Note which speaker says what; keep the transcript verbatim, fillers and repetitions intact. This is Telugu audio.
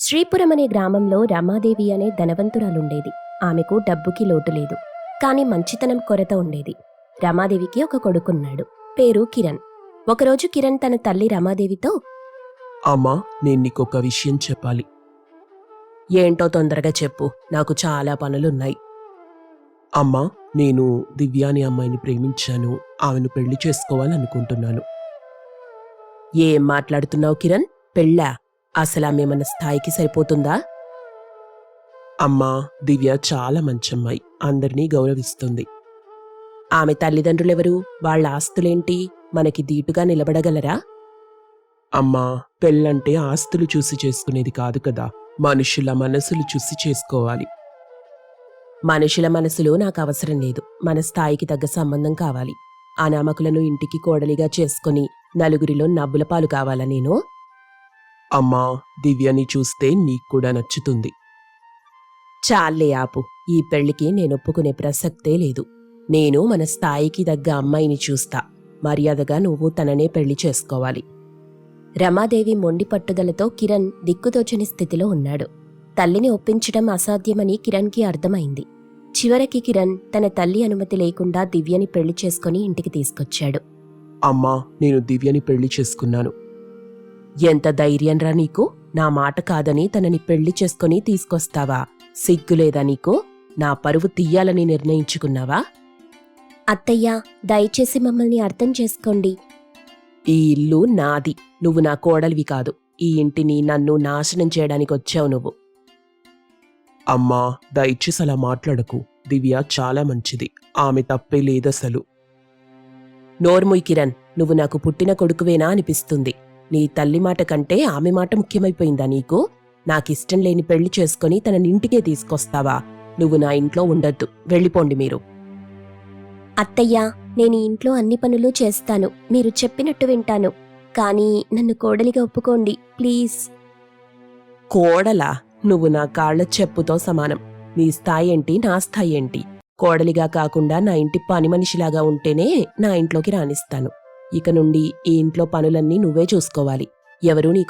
Speaker 1: శ్రీపురం అనే గ్రామంలో రమాదేవి అనే ధనవంతురాలుండేది. ఆమెకు డబ్బుకి లోటు లేదు, కాని మంచితనం కొరత ఉండేది. రమాదేవికి ఒక కొడుకున్నాడు, పేరు కిరణ్. ఒకరోజు కిరణ్ తన తల్లి రమాదేవితో,
Speaker 2: అమ్మా, నేను నీకొక విషయం చెప్పాలి.
Speaker 1: ఏంటో తొందరగా చెప్పు, నాకు చాలా పనులున్నాయి.
Speaker 2: అమ్మా, నేను దివ్య అనే అమ్మాయిని ప్రేమించాను. ఆమెను పెళ్లి చేసుకోవాలనుకుంటున్నాను.
Speaker 1: ఏం మాట్లాడుతున్నావు కిరణ్? పెళ్ళా? అసలు ఆమె మన స్థాయికి సరిపోతుందా?
Speaker 2: అమ్మా, దివ్య చాలా మంచమ్మాయి, అందరినీ గౌరవిస్తుంది.
Speaker 1: ఆమె తల్లిదండ్రులెవరు? వాళ్ళ ఆస్తులేంటి? మనకి దీటుగా నిలబడగలరా?
Speaker 2: అమ్మా, పెళ్ళంటే ఆస్తులు చూసి చేసుకునేది కాదు కదా, మనుషుల మనసులు చూసి చేసుకోవాలి.
Speaker 1: మనుషుల మనసులు నాకు అవసరం లేదు. మన స్థాయికి తగ్గ సంబంధం కావాలి. అనామకులను ఇంటికి కోడలిగా చేసుకుని నలుగురిలో నవ్వుల పాలు కావాలా నేను?
Speaker 2: అమ్మా, దివ్యని చూస్తే నీకు కూడా నచ్చుతుంది.
Speaker 1: చాలే ఆపు. ఈ పెళ్లికి నేనొప్పుకునే ప్రసక్తే లేదు. నేను మన స్థాయికి తగ్గ అమ్మాయిని చూస్తా. మర్యాదగా నువ్వు తననే పెళ్లి చేసుకోవాలి. రమాదేవి మొండి పట్టుదలతో కిరణ్ దిక్కుతోచని స్థితిలో ఉన్నాడు. తల్లిని ఒప్పించడం అసాధ్యమని కిరణ్కి అర్థమైంది. చివరికి కిరణ్ తన తల్లి అనుమతి లేకుండా దివ్యని పెళ్లి చేసుకుని ఇంటికి తీసుకొచ్చాడు.
Speaker 2: అమ్మా, నేను దివ్యని పెళ్లి చేసుకున్నాను.
Speaker 1: ఎంత ధైర్యంరా నీకు? నా మాట కాదని తనని పెళ్లి చేసుకుని తీసుకొస్తావా? సిగ్గులేదా నీకు? నా పరువు తీయాలని నిర్ణయించుకున్నావా? అత్తయ్యా, దయచేసి మమ్మల్ని అర్థం చేసుకోండి. ఈ ఇల్లు నాది. నువ్వు నా కోడలివి కాదు. ఈ ఇంటిని నన్ను నాశనం చేయడానికి వచ్చావు నువ్వు.
Speaker 2: అమ్మా, దయచేసి అలా మాట్లాడకు. దివ్య చాలా మంచిది, ఆమె తప్పే లేదసలు.
Speaker 1: నోర్ముయ్ కిరణ్, నువ్వు నాకు పుట్టిన కొడుకువేనా అనిపిస్తుంది. నీ తల్లి మాట కంటే ఆమె మాట ముఖ్యమైపోయిందా నీకు? నాకిష్టం లేని పెళ్లి చేసుకుని తననింటికే తీసుకొస్తావా? నువ్వు నా ఇంట్లో ఉండొద్దు, వెళ్ళిపోండి మీరు. అత్తయ్యా, నేను ఇంట్లో అన్ని పనులు చేస్తాను. మీరు చెప్పినట్టు వింటాను. కానీ నన్ను కోడలిగా ఒప్పుకోండి ప్లీజ్. కోడలా? నువ్వు నా కాళ్ల చెప్పుతో సమానం. నీ స్థాయి ఏంటి, నా స్థాయి ఏంటి? కోడలిగా కాకుండా నా ఇంటి పని మనిషిలాగా ఉంటేనే నా ఇంట్లోకి రానిస్తాను. ఇక నుండి ఈ ఇంట్లో పనులన్నీ నువ్వే చూసుకోవాలి. ఎవరూ నీ